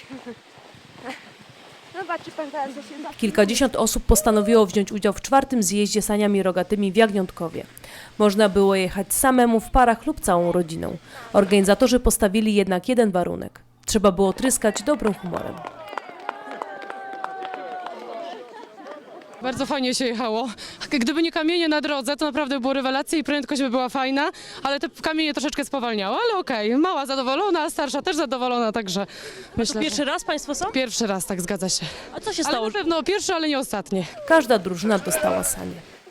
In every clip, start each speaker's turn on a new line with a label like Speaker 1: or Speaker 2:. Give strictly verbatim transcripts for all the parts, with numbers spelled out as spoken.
Speaker 1: Zobaczy pan teraz, że się
Speaker 2: Kilkadziesiąt osób postanowiło wziąć udział w czwartym zjeździe saniami rogatymi w Jagniątkowie. Można było jechać samemu, w parach lub całą rodziną. Organizatorzy postawili jednak jeden warunek. Trzeba było tryskać dobrym humorem.
Speaker 3: Bardzo fajnie się jechało. Gdyby nie kamienie na drodze, to naprawdę było rewelacja i prędkość by była fajna, ale te kamienie troszeczkę spowalniały, ale okej. Mała zadowolona, a starsza też zadowolona, także myślę,
Speaker 2: Pierwszy raz Państwo są?
Speaker 3: że pierwszy raz, tak zgadza się.
Speaker 2: A co się
Speaker 3: Ale
Speaker 2: stało?
Speaker 3: na pewno pierwszy, ale nie ostatni.
Speaker 2: Każda drużyna dostała sanie.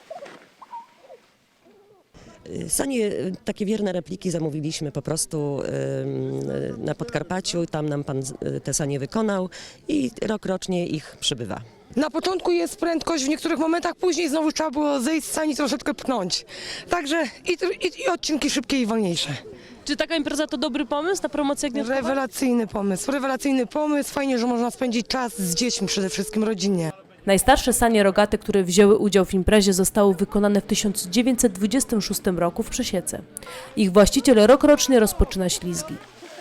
Speaker 4: Sanie, takie wierne repliki zamówiliśmy po prostu ym, na Podkarpaciu. Tam nam pan y, te sanie wykonał i rok rocznie ich przybywa.
Speaker 5: Na początku jest prędkość, w niektórych momentach później znowu trzeba było zejść z sani, troszeczkę pchnąć. Także i, i, i odcinki szybkie i wolniejsze.
Speaker 2: Czy taka impreza to dobry pomysł na promocję Jagniątkowa?
Speaker 5: Rewelacyjny pomysł, rewelacyjny pomysł. Fajnie, że można spędzić czas z dziećmi, przede wszystkim rodzinnie.
Speaker 2: Najstarsze sanie rogate, które wzięły udział w imprezie, zostały wykonane w tysiąc dziewięćset dwudziestym szóstym roku w Przesiece. Ich właściciel rokrocznie rozpoczyna ślizgi.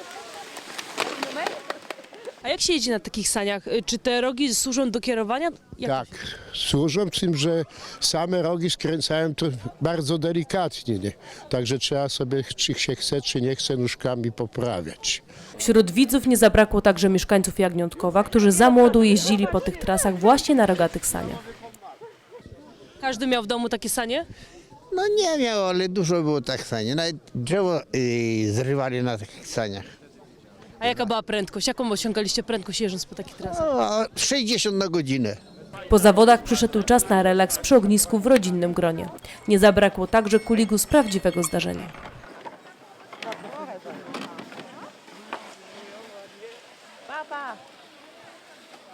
Speaker 2: A jak się jedzie na takich saniach? Czy te rogi służą do kierowania? Jak
Speaker 6: Tak, służą, z tym, że same rogi skręcają to bardzo delikatnie, nie? Także trzeba sobie, czy się chce, czy nie chce, nóżkami poprawiać.
Speaker 2: Wśród widzów nie zabrakło także mieszkańców Jagniątkowa, którzy za młodu jeździli po tych trasach właśnie na rogatych saniach. Każdy miał w domu takie sanie?
Speaker 7: No nie miał, ale dużo było tak sanie. Nawet drzewo yy, zrywali na takich saniach.
Speaker 2: A jaka była prędkość? Jaką osiągaliście prędkość jeżdżąc po takich trasach?
Speaker 7: O, sześćdziesiąt na godzinę.
Speaker 2: Po zawodach przyszedł czas na relaks przy ognisku w rodzinnym gronie. Nie zabrakło także kuligu z prawdziwego zdarzenia.
Speaker 1: Papa.